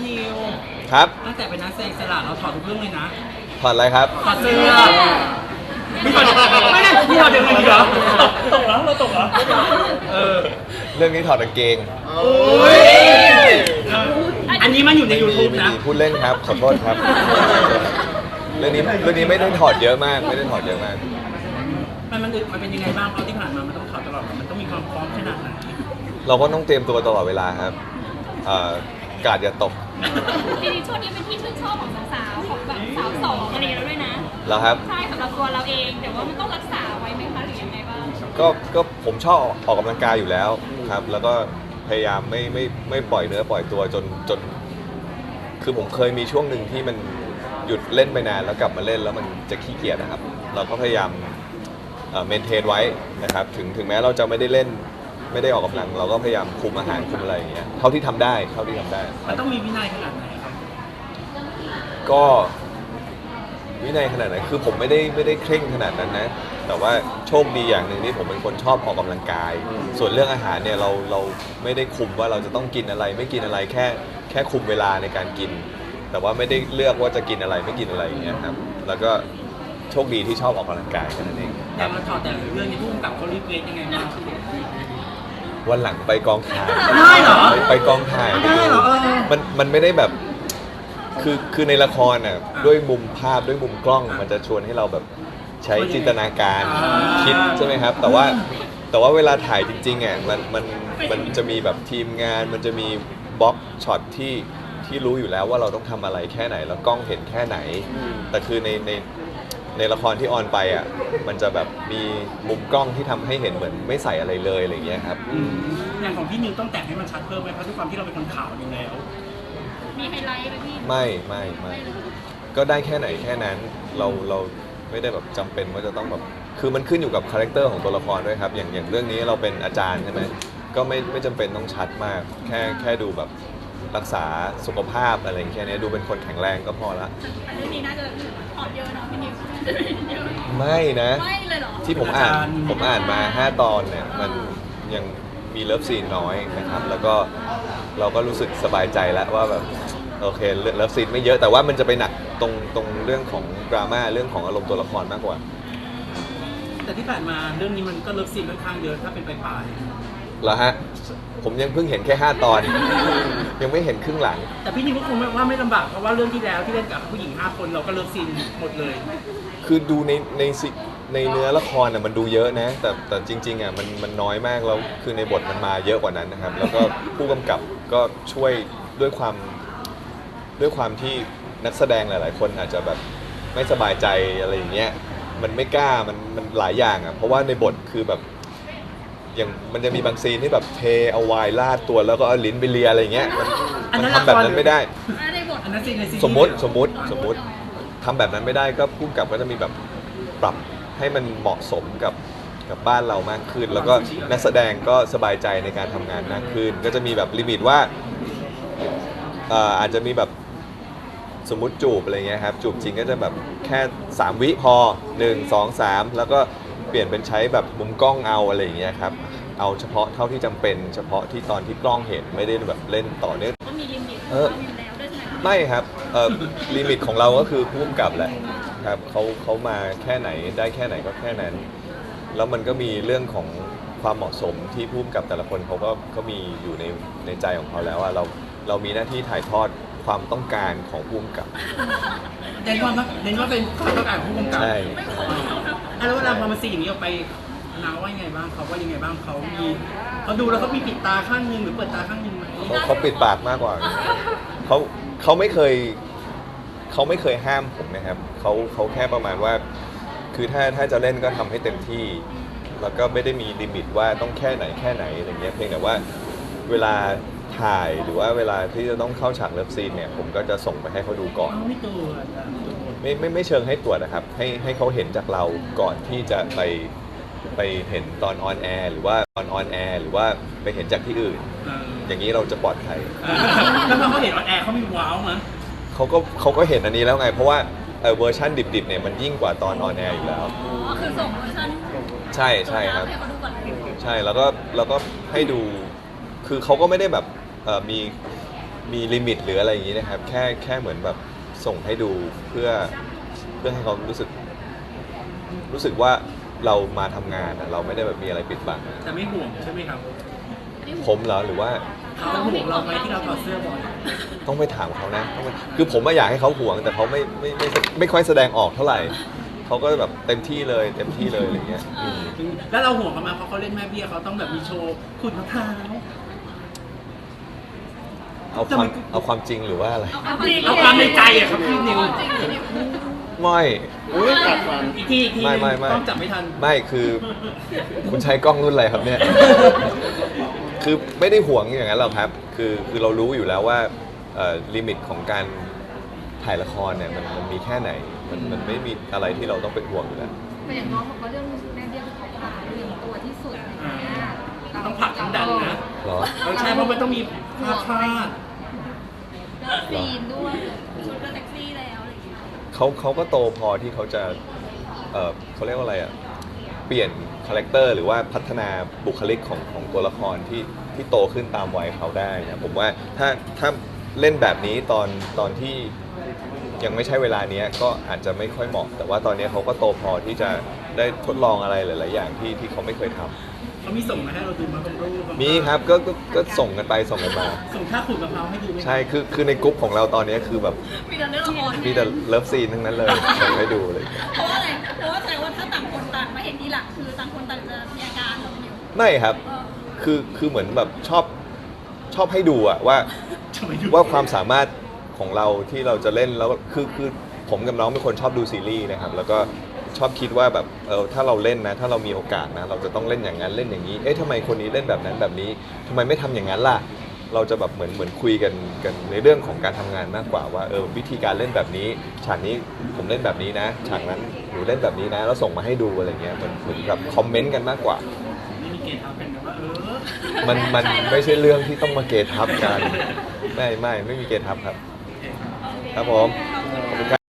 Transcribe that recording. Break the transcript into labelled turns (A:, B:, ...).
A: นิว
B: ครับ
A: ตั้งแต่เป็นนักแสดงอิสระเราถอดทุกเรื่องเลยนะ
B: ถอดอะไรครับ
A: ถอดเสื้อไม่ถอดไม่ได้พี่ถอดเดี๋ยวนี้เหรอตกแล้วเราตกเหรอ
B: เรื่องนี้ถอดกางเกง
A: อันนี้มันอยู่ใน YouTube
B: ไม่
A: นะ
B: มีพูดเล่นครับขอโทษครับเรื่องนี้ไม่ได้ถอดเยอะมากไม่ได้ถอดเยอะมาก
A: มันเป็นยังไงบ้างเพราะที่ผ่านมามันต้องถอดตลอดมันต้องมีความพร้อมขนาดไหน
B: เราก็ต้องเตรียมตัวตลอดเวลาครับกาดอย่าตก
C: จริงๆช่วงนี้เป็นที่ชื่นชอบของสาวๆของแบบสาวสองอะไรอย่างเงี้ยแล้วด้วยนะ
B: เหรอครับ
C: ใช่สำหรับตัวเราเองแต่ว่ามันต้องรักษาไว้ไหมคะหรือยังไงบ้าง
B: ก็ผมชอบออกกำลังกายอยู่แล้วครับแล้วก็พยายามไม่ปล่อยเนื้อปล่อยตัวจนคือผมเคยมีช่วงหนึ่งที่มันหยุดเล่นไปนานแล้วกลับมาเล่นแล้วมันจะขี้เกียจนะครับเราก็พยายามเมนเทนไว้นะครับถึงแม้เราจะไม่ได้เล่นไม่ได้ออกกำลังเราก็พยายามคุมอาหารคุมอะไรอย่างเงี้ยเท่าที่ทำได้
A: มันต้องมีวินัยขนาดไหนครับ
B: ก็วินัยขนาดไหนคือผมไม่ได้เคร่งขนาดนั้นนะแต่ว่าโชคดีอย่างหนึ่งที่ผมเป็นคนชอบออกกำลังกายส่วนเรื่องอาหารเนี่ยเราไม่ได้คุมว่าเราจะต้องกินอะไรไม่กินอะไรแค่คุมเวลาในการกินแต่ว่าไม่ได้เลือกว่าจะกินอะไรไม่กินอะไรอย่างเงี้ยครับแล้วก็โชคดีที่ชอบออกกำลังกายแค่นั้นเอง
A: แต่มาถอดแต่เรื่องนี้พุ่งกับเขารีเควสยังไงบ้าง
B: วันหลังไปกองถ่าย
A: ได้เหรอ
B: ไปกองถ่าย
A: ได้เหรอ
B: มันไม่ได้แบบคือในละครน่ะด้วยมุมภาพด้วยมุมกล้องมันจะชวนให้เราแบบใช้จินตนาการคิดใช่ไหมครับแต่ว่าเวลาถ่ายจริงๆอ่ะมันจะมีแบบทีมงานมันจะมีบล็อกช็อตที่รู้อยู่แล้วว่าเราต้องทำอะไรแค่ไหนแล้วกล้องเห็นแค่ไหนแต่คือในละครที่ออนไปอ่ะมันจะแบบมีมุมกล้องที่ทำให้เห็นเหมือนไม่ใส่อะไรเลยอะไรอย่างเงี้ยครับ
A: อย่างของพี่นิวต้องแต่งให้มันชัดเพิ่มไหมเพราะด้วยความที่เราเป็นคนขาวอยู่แล้ว
C: มีไฮไลท์ไหมพี่
B: ไม่ก็ได้แค่ไหนแค่นั้นเราไม่ได้แบบจำเป็นว่าจะต้องแบบคือมันขึ้นอยู่กับคาแรคเตอร์ของตัวละครด้วยครับอย่างเรื่องนี้เราเป็นอาจารย์ใช่ไหมก็ไม่จำเป็นต้องชัดมากแค่ดูแบบรักษาสุขภาพอะไรแค่นี้ดูเป็นคนแข็งแรงก็พอละ
C: เรื่องนี้น่าจะถอดเยอะเนาะพี่นิว
B: ไม่นะ
C: ไม่เลยเหรอ
B: ที่ผมอ่านมา5 ตอนเนี่ยมันยังมีเลิฟซีนน้อยนะครับแล้วก็เราก็รู้สึกสบายใจแล้วว่าแบบโอเคเลิฟซีนไม่เยอะแต่ว่ามันจะไปหนักตรงเรื่องของดราม่าเรื่องของอารมณ์ตัวละครมากกว่า
A: แต่ที่ผ่านมาเรื่องนี้มันก็เลิฟซีนค่อนข้างเยอะถ้าเป็นปลาย
B: เหรอฮะผมยังเพิ่งเห็นแค่5 ตอน ยังไม่เห็นครึ่งหลัง
A: แต่พี่นิวก็คงว่าไม่ลำบากเพราะว่าเรื่องที่แล้วที่เล่นกับผู้หญิง5 คนเราก็เลิฟซีนหมดเลย
B: คือดูในเนื้อละครน่ะมันดูเยอะนะแต่จริงๆอ่ะมันน้อยมากแล้วคือในบทมันมาเยอะกว่านั้นนะครับแล้วก็ผู้กำกับก็ช่วยด้วยความที่นักแสดงหลายๆคนอาจจะแบบไม่สบายใจอะไรอย่างเงี้ยมันไม่กล้ามันหลายอย่างอ่ะเพราะว่าในบทคือแบบอย่างมันจะมีบางซีนที่แบบเทเอาไวน์ราดตัวแล้วก็เอาลิ้นไปเลียอะไรอย่างเงี้ยมันทำแบบนั้นไม่ได้สมมติทำแบบนั้นไม่ได้ก็ผู้กำกับก็จะมีแบบปรับให้มันเหมาะสมกับบ้านเรามากขึ้นแล้วก็นักแสดงก็สบายใจในการทำงานมากขึ้นก็จะมีแบบลิมิตว่าอาจจะมีแบบสมมุติจูบอะไรเงี้ยครับจูบจริงก็จะแบบแค่3 วิพอ1 2 3แล้วก็เปลี่ยนเป็นใช้แบบมุมกล้องเอาอะไรอย่างเงี้ยครับเอาเฉพาะเท่าที่จำเป็นเฉพาะที่ตอนที่กล้องเห็นไม่ได้แบบเล่นต่อเนื่อง
C: ก็มีลิมิตอยู่แล้วด้วยใช่ไหม
B: ไม่ครับลิมิตของเราก็คือผู้กำกับแหละครับเขามาแค่ไหนได้แค่ไหนก็แค่นั้นแล้วมันก็มีเรื่องของความเหมาะสมที่ผู้กำกับแต่ละคนเขาก็มีอยู่ในใจของเขาแล้วว่าเรามีหน้าที่ถ่ายทอดความต้องการของผู้กำกับ
A: เน้นว่าเป็นความต้องการของผู้กำกับ
B: ใช่
A: แล้วเวลาพอมาซีอย่างนี้ออกไปนาว่ายังไงบ้างเขาว่ายังไงบ้างเขาดูแล้วเขามีปิดตาข้างนึงหรือเปิดตาข้างนึงไหม
B: เขาปิดปากมากกว่าเขาไม่เคยห้ามผมนะครับเขาแค่ประมาณว่าคือถ้าจะเล่นก็ทำให้เต็มที่แล้วก็ไม่ได้มีลิมิตว่าต้องแค่ไหนอะไรเงี้ยเพียงแต่ว่าเวลาถ่ายหรือว่าเวลาที่จะต้องเข้าฉากเลิฟซีนเนี่ยผมก็จะส่งไปให้เขาดูก่อนไม่เชิงให้ตรวจนะครับให้เขาเห็นจากเราก่อนที่จะไปเห็นตอนออนแอร์หรือว่าตอนออนแอร์หรือว่าไปเห็นจากที่อื่นอย่างนี้เราจะปลอดภัย
A: แล้วพอเขาเห็นออนแอร์เขามีว้าวมั้ย
B: เขาก็เห็นอันนี้แล้วไงเพราะว่าเวอร์ชันดิบๆเนี่ยมันยิ่งกว่าตอนออนแอร์อยู่แล้ว
C: คือส่งเวอร์ชัน
B: ใช่ครับใช่แล้วก็ให้ดูคือเขาก็ไม่ได้แบบมีมีลิมิตหรืออะไรอย่างนี้นะครับแค่เหมือนแบบส่งให้ดูเพื่อให้เขารู้สึกว่าเรามาทำงานอะเราไม่ได้แบบมีอะไรปิดบัง
A: แต่ไม่ห่วงใช่ไหมครับ
B: ผมเหรอหรือว่า
A: เขาห่วงเราไหมที่เราถอดเสื้อบ่อย
B: ต้องไปถามเขานะคือผมอยากให้เขาห่วงแต่เขาไม่ค่อยแสดงออกเท่าไหร่เขาก็แบบเต็มที่เลยอะไรอย่างเงี้ย
A: แล้วเราห่วงเขามาเพราะเขาเล่นแม่เบี้ยเขาต้องแบบมีโชว์ขุดมะพร้าว
B: เอาความจริงหรือว่าอะไร
A: เอาความในใจอะครับพี่นิว
B: ไม่
A: อุ้ยอีกที
B: ไม่
A: ต้องจับไม่ทัน
B: ไม่คือคุณใช้กล้องรุ่นอะไรครับเนี่ย คือไม่ได้ห่วงอย่างนั้นหรอกครับคือเรารู้อยู่แล้วว่าลิมิตของการถ่ายละครเนี่ยมันมีแค่ไหนมันไม่มีอะไรที่เราต้องเป็นห่วงอยู่แล้ว
D: แต่อย่างน้องเขาก็เรื่องแม่เบี้ยเขาขาเรื่องตัวที่สุดอะไรอย่างเงี้ย
A: ต้องผลักทั้งดันนะ
B: เหรอ
A: ใช่เพราะมันต้องมีพลาด
C: ซีนด้วยชุดก็เซ็กซี่แล้วอะไรอย่างเงี้ย
B: เขาก็โตพอที่เขาจะเขาเรียกว่าอะไรอ่ะเปลี่ยนคาแรคเตอร์หรือว่าพัฒนาบุคลิกของตัวละครที่โตขึ้นตามวัยเขาได้นะผมว่าถ้าเล่นแบบนี้ตอนที่ยังไม่ใช่เวลานี้ก็อาจจะไม่ค่อยเหมาะ แต่ว่าตอนนี้เขาก็โตพอที่จะได้ทดลองอะไรหลาย ๆ อย่างที่เขาไม่เคยทำ
A: เขามีส่งมาให้เราดูมาบางรูป
B: มีครับก็ส่งกันไปส่งกันมา
A: ส่งท่าขุดมะพร้าวให้ดูไหม
B: ใช่คือในกลุ่มของเราตอนนี้คือแบบ
C: มีแต่เรื่องละคร
B: มีแต่เลิฟซีนทั้งนั้นเลยส่งให้ดูเลย
C: เพราะว่าอะไรเพราะว่าแสดงว่าถ้าต่างคนต่างมาเห็นทีหลังคือต่างคนต่างจะมีอาการเราอยู่
B: ไม่ครับคือเหมือนแบบชอบให้ดูอะว่า
A: ทำไมดู
B: ว่าความสามารถของเราที่เราจะเล่นแล้วคือผมกับน้องเป็นคนชอบดูซีรีส์นะครับแล้วก็ชอบคิดว่าแบบถ้าเราเล่นนะถ้าเรามีโอกาสนะเราจะต้องเล่นอย่างนั้นเล่นอย่างนี้เอ๊ะทำไมคนนี้เล่นแบบนั้นแบบนี้ทำไมไม่ทำอย่างนั้นล่ะเราจะแบบเหมือนคุยกันในเรื่องของการทำงานมากกว่าว่าวิธีการเล่นแบบนี้ฉากนี้ผมเล่นแบบนี้นะฉากนั้นหนูเล่นแบบนี้นะแล้วส่งมาให้ดูอะไรเงี้ยเหมือนกับคอมเมนต์กันมากกว่า
A: ไม่มีเกณฑ์ทับกันแบบว่า
B: มันไม่ใช่เรื่องที่ต้องมาเกทับกันไม่มีเกทับครับครับผมขอบคุณครับ